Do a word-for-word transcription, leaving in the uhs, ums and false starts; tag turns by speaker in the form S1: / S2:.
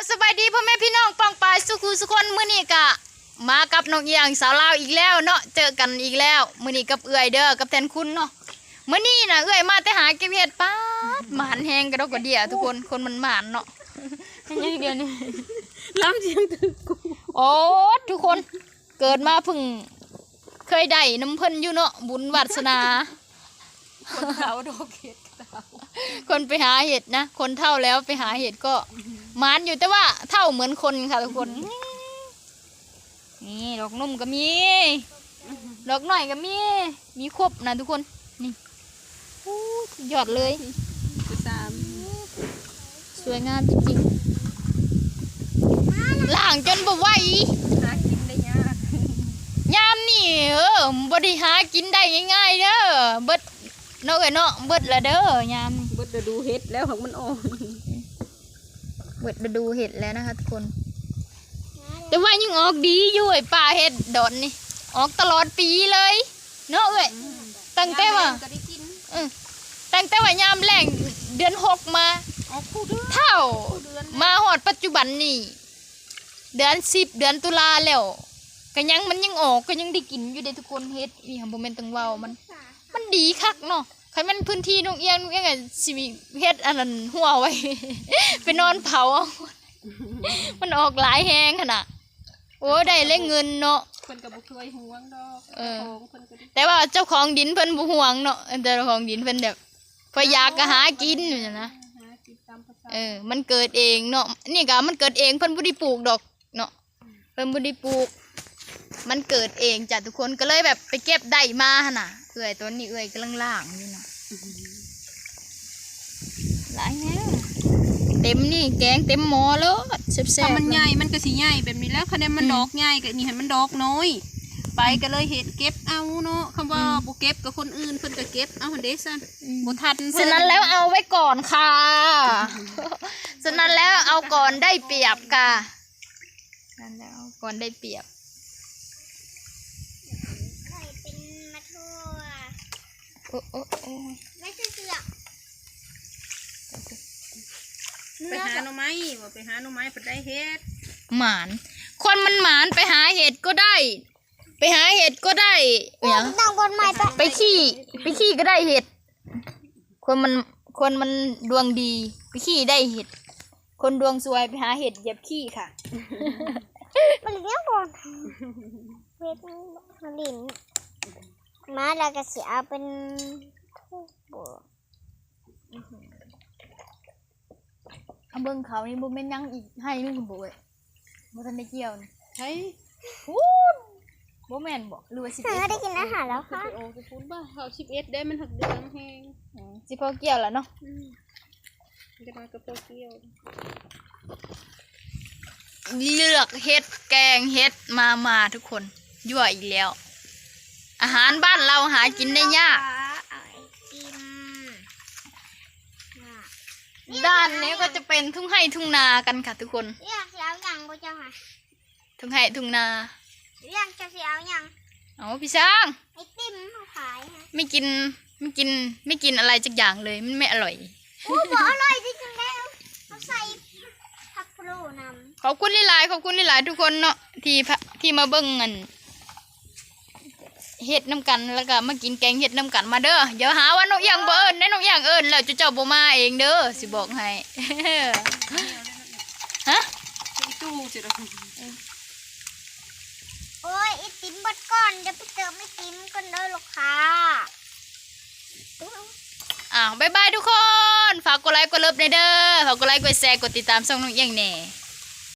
S1: สบายดีพ่อแม่พี่น้องป้องปายสุขุสุคนมื้อนี้กะมากับน้องเอียงสาวลาวอีกแล้วเนาะเจอกันอีกแล้วมื้อนี้กับเอื้อยเด้อกับแทนคุณเนาะมื้อนี้น่ะเอื้อยมาแต่หาเก็บเห็ดป๊าดหมานแฮงกระดกกระเดี่ยทุกคนคนมันหมานเนาะยังเดียวนี่ล้ำเสียงตึกกูโอ้ทุกคนเกิดมาเพิ่งเคยได้น้ำเพิ่นอยู่เนาะบุญวาสนาคนเฒ่าดอกเห็ดคนไปหาเห็ดนะคนเฒ่าแล้วไปหาเห็ดก็หมานอยู่แต่ว่าเท่าเหมือนคนค่ะทุกคนนี่ดอกนุ่มก็มีดอกหน่อยก็มีมีครบนะทุกคนนี่หยอดเลยสวยงามจริงๆล่างจนบ่ไหวหากินได้ยากยามนี่เออบ่ได้หากินได้ง่ายๆเด้อเบิดเนาะเอ้ยเนาะเบิดละเด้อยามเบิดฤดูเห็ดแล้วของมันอ่อนเบิดฤดูเห็ดแล้วนะคะทุกคนแต่ว่ายังออกดีอยู่ไอ้ป่าเห็ดดอนนี่ออกตลอดปีเลยเนาะเอ้ยตั้งแต่ว่าตั้งแต่ว่ายามแรงเดือนหกมาเท่ามาหอดปัจจุบันนี่เดือนสิบเดือนตุลาแล้วก็ยังมันยังออกก็ยังได้กินอยู่เด้ทุกคนเห็ดนี่ค่ะโมเมนต์ตังเว้ามันมันดีคักเนาะใครมันพื้นที่นุ่งเอียงนุ่งเอียงอะสิเฮ็ดอันนั้นหัวไว้ ไปนอนเผามันออกหลายแหงขนาดโอ้ได้เล่เงินเนาะเพิ่นก็บ่เคยห่วงดอกเออแต่ว่าเจ้าของดินเพิ่นบ่ห่วงเนาะแต่เจ้าของดินเพิ่นแบบพอยากก็หากินอยู่นะเออมันเกิดเองเนาะนี่ก็มันเกิดเองเพิ่นบ่ได้ปลูกดอกเนาะเพิ่นบ่ได้ปลูกมันเกิดเองจ้ะทุกคนก็เลยแบบไปเก็บได้มาหั่นน่ะเอื้อยต้นนี้เอื้อยกำลังล่างอยู่เนาะหลายแฮะเต็มนี่แกงเต็มหม้อแล้วแซ่บๆถ้ามันใหญ่มันก็สิใหญ่แบบนี้แล้วคะแนนมันดอกใหญ่ก็นี่ให้มันดอกน้อยไปก็เลยเฮ็ดเก็บเอาเนาะคำว่าบ่เก็บกับคนอื่นเพิ่นก็เก็บเอาหั่นเด้ซั่นบ่ทันฉะนั้นแล้วเอาไว้ก่อนค่ะฉะนั้นแล้วเอาก่อนได้เปรียบค่ะนั่นแล้วก่อนได้เปรียบโอ้โอ้โอ้ไม่ใช่เสือไปหาหน่อไม้บ่ไปหาหน่อไม้ไปได้เห็ดหมานคนมันหมานไปหาเห็ดก็ได้ไปหาเห็ดก็ได้เนี่ยต้องคนใหม่ไปไปขี้ไปขี้ก็ได้เห็ดคนมันคนมันดวงดีไปขี้ได้เห็ดคนดวงซวยไปหาเห็ดเหยียบขี้ค่ะมันเลี้ยงก่อนเห็ดมันลิ้นมาแล้วก็เสียเป็นทุบเอาเบิ้งเขานี่บุ้มเป็นยังอีกให้นึงคุณบุ้ยบุทันได้เกี่ยวนี่ใช่พูนบุ้มแมนบอกหรือว่าสิบเอ็ดได้กินอาหารแล้วค่ะโอ้จะพูนบ้าเขาสิบเอ็ดได้มันหักเดือนแห้งสิพอเกี่ยวแล้วเนาะจะมากับพอเกี่ยวเลือกเห็ดแกงเห็ดมามาทุกคนยั่วอีกแล้วอาหารบ้านเราหากินได้ยากด้านนี้ก็จะเป็นทุ่งไร่ทุ่งนากันค่ะทุกคนเรียกเสียวยังบ่เจ้าค่ะทุ่งไร่ทุ่งนาเรียกจะเสียวยังเอาพี่ช้างไอติมเขาขายฮะไม่กินไม่กินไม่กินอะไรจักอย่างเลยมันไม่อร่อยโอ้บ่อร่อยจริงๆแล้วเขาใส่ผักโปรนำขอบคุณหลายๆขอบคุณหลายๆทุกคนเนาะที่ที่มาเบิ่งเงินเห็ดน้ำกันแล้วก็มากินแกงเห็ดน้ำกันมาเด้อเดี๋ยวหาว่าน้องอย่างเบิ่นได้น้องอย่างเอิญแล้วจะเจ้าโบมาเองเด้อสิบอกให้ฮะตู้สิเราโอ้ยไอติมบดก่อนจะไปเติมไอติมกันเด้อลูกค้าอ้าวบายบายทุกคนฝากกดไลค์กดเลิฟในเด้อฝากกดไลค์กดแชร์กดติดตามช่องน้องอย่างแน่